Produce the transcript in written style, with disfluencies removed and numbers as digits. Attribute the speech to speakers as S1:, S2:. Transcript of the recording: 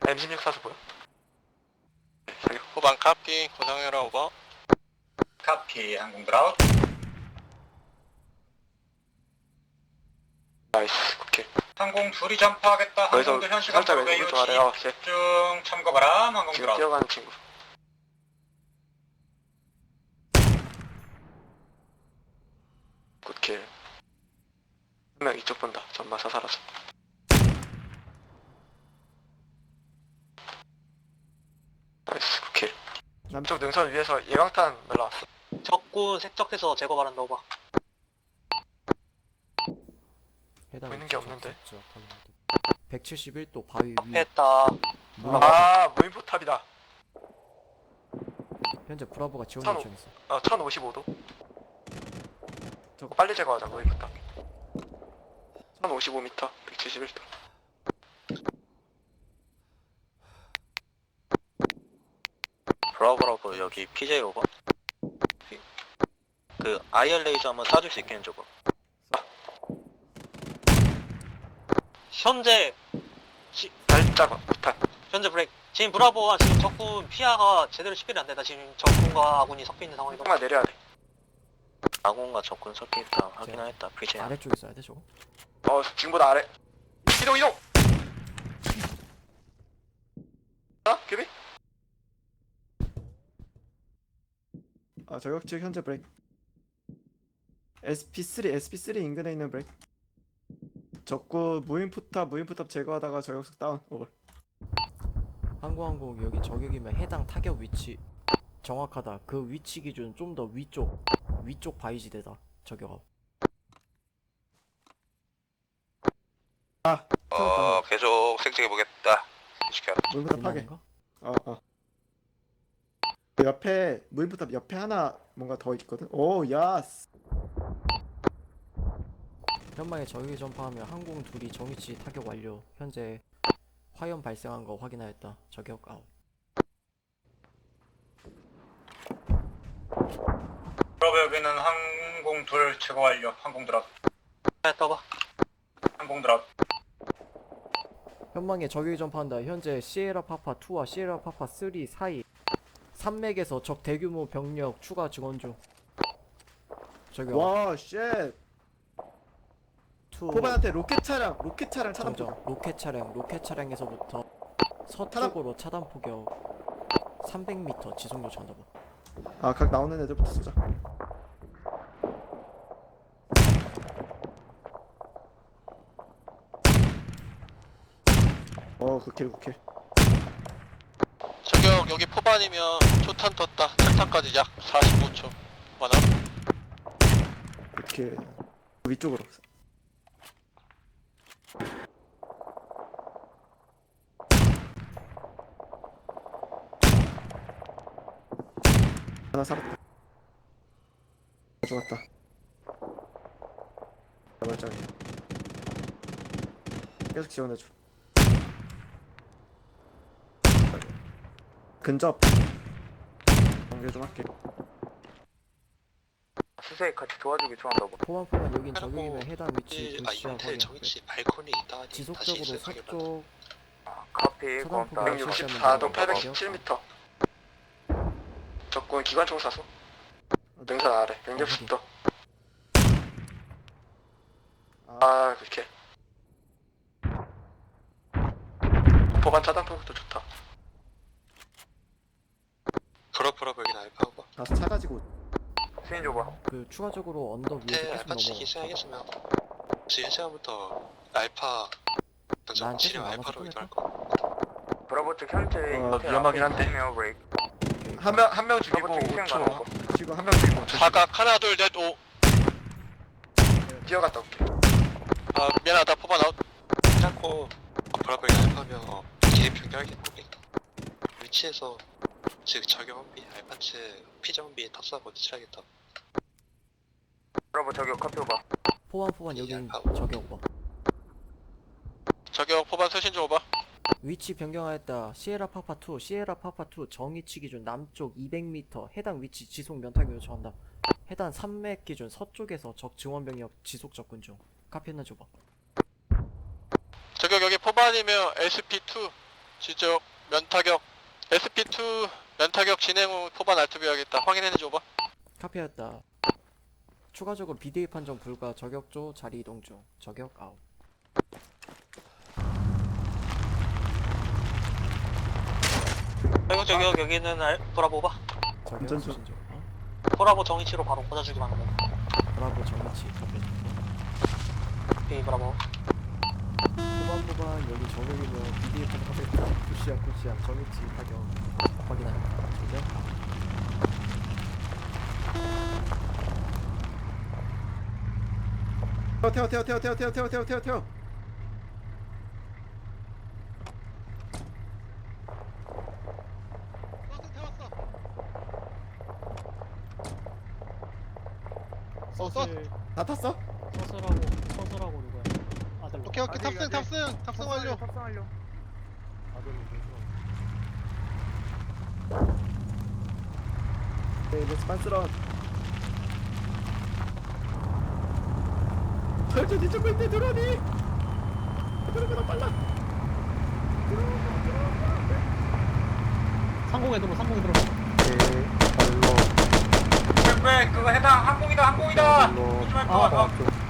S1: M16 사수 보여? 저기
S2: 후방 카피 고상해라 오버.
S3: 카피 항공 드라웃.
S1: 나이스 오케이.
S3: 항공 둘이 점프하겠다.
S1: 거기서
S3: 항공들 현 시간
S1: 살짝
S3: 외유
S1: 왼쪽 아래 오케이.
S3: 집중 참고 바람. 항공
S1: 지금
S3: 드라웃.
S1: 뛰어가는 친구. 굿킬. 한 명 이쪽 본다. 전마 사살아서. 나이스 굿킬. 남쪽 능선 위에서 예강탄 날라왔어.
S4: 적군 색적해서 제거 바란다 오버.
S1: 보이는 게 없는데.
S5: 171도 바위 위.
S4: 했다.
S1: 아 무인포탑이다.
S5: 현재 브라보가 지원
S1: 산호.
S5: 요청했어.
S1: 1055도.
S5: 저거.
S1: 빨리 제거하자 무인포탑. 1055m 171도.
S2: 브라보 여기 PJ 오버. 그 IR 레이저 한번 쏴줄 수 있겠는 저거.
S4: 현재
S1: 살짝 포탑.
S4: 현재 브레이크. 지금 브라보가 지금 적군 피하가 제대로 식별이 안 된다. 지금 적군과 아군이 섞여 있는 상황이다.
S1: 조금만 내려야 돼.
S2: 아군과 적군 섞여 있다 확인하였다. PJ.
S5: 아래쪽에 있어야 돼 저거.
S1: 지금보다 아래. 이동 이동. 규비?
S6: 저격측 현재 브레이크. SP3 인근에 있는 브레이크. 적구 무인포탑 제거하다가 저격측 다운. 오버.
S5: 항공항공 여기 저격이면 해당 타격 위치 정확하다. 그 위치 기준 좀 더 위쪽 바위지대다. 저격하고.
S2: 계속 색적해 보겠다. 시켜.
S6: 무인포탑 파괴.
S5: 인간인가?
S6: 그 옆에 무인포탑 옆에 하나 뭔가 더 있거든. 오 야스.
S5: 현방에 저격이 전파하며 항공 둘이 정위치 타격 완료. 현재 화염 발생한 거 확인하였다. 저격 아웃.
S3: 브라보 여기는 항공 둘 제거 완료. 항공 드라웃.
S4: 했다 오버.
S3: 항공 드라웃.
S5: 현방에 저격이 전파한다. 현재 시에라 파파 2와 시에라 파파 3 사이 산맥에서 적 대규모 병력 추가 증원 중. 저격
S6: 와 쉣.
S5: 2
S6: 코바한테 로켓 차량 차단.
S5: 정정. 로켓 차량에서부터 서쪽으로 차단 포격 300m 지속 요청한다.
S6: 각 나오는 애들부터 쏘자. 굿킬.
S2: 저격 여기 포반이면 초탄 떴다. 철탄까지 약 45초. 맞아?
S6: 굿킬. 위쪽으로. 하나 살았다. 좋았다. 말짱이. 계속 지원해줘. 근접. 연결 좀 할게.
S1: 수세에 같이 도와주기 좋아한다고.
S5: 포만 여긴 저격이면 해당 위치
S2: 아
S5: 분시한
S2: 이번에
S5: 확인.
S2: 정위치 발코니 있다.
S5: 지속적으로 서쪽
S1: 카피
S5: 차단
S1: 고맙다.
S5: 포격
S1: 164도
S5: 시험을
S1: 817m. 적군 기관총 사수. 능선 아래 160도. 그렇게. 보관 차단 포격도 좋다.
S2: 브라보 여긴 알파 오버.
S6: 가서 차 가지고.
S1: 스인 줘봐.
S5: 그 추가적으로 언덕 위에서
S2: 네,
S5: 계속
S2: 알파 치기
S5: 넘어.
S2: 시작했으면 지금 시간부터 알파
S5: 난
S2: 전
S5: 계속
S2: 치료
S5: 남아서
S2: 알파로
S5: 끊을까?
S2: 이동할 거.
S1: 브라보 측 현재
S6: 위험하긴
S1: 한데. 한 명 죽이고 5초. 지금 한 명 죽이고 5초.
S2: 사각 하나 둘 넷 오.
S1: 뛰어갔다 올게.
S2: 미안하다 포반 아웃. 괜찮고 브라보 여긴 알파면 개인 변경하겠고 위치에서 즉 저격 원비 알파 측 피자 원비 탑사하고 지출하겠다.
S1: 브라보 저격 커피 오바.
S5: 포만 여긴 저격 오버.
S2: 저격 포반 서신 좀 오바.
S5: 위치 변경하였다. 시에라 파파 2 정위치 기준 남쪽 200m 해당 위치 지속 면탈 요청한다. 해당 산맥 기준 서쪽에서 적 증원 병력 지속 접근 중. 카피했나 줘봐.
S2: 저격 여기 포반이면 SP2 지적 면타격 SP2 면타격 진행 후 포반 알투비하겠다. 확인해줘봐.
S5: 카피했다. 추가적으로 비대위 판정 불가. 저격조 자리 이동 중. 저격 아웃.
S4: 그리고 저기 여기는 브라보 봐.
S5: 저격
S6: 운전 중.
S5: 수신 중.
S4: 브라보 정위치로 바로 꽂아주기만 하면
S5: 브라보 정위치 카피했고.
S4: 오케이 브라보.
S5: 후반 여기 저격이면 비대위 판정 카피했다. 푸시야 정위치 타격 확인합니다. 저격
S6: 태워. 다 탔어?
S5: 서스라고 누구야? 아들.
S7: 오케이 탑승 완료.
S6: 네, 렛츠 반스런. 저 뒤쪽 있대 드론이. 드론보다 빨라.
S5: 상공에 들어.
S3: 왜 그거 해당 항공이다. 조심할 거 같아.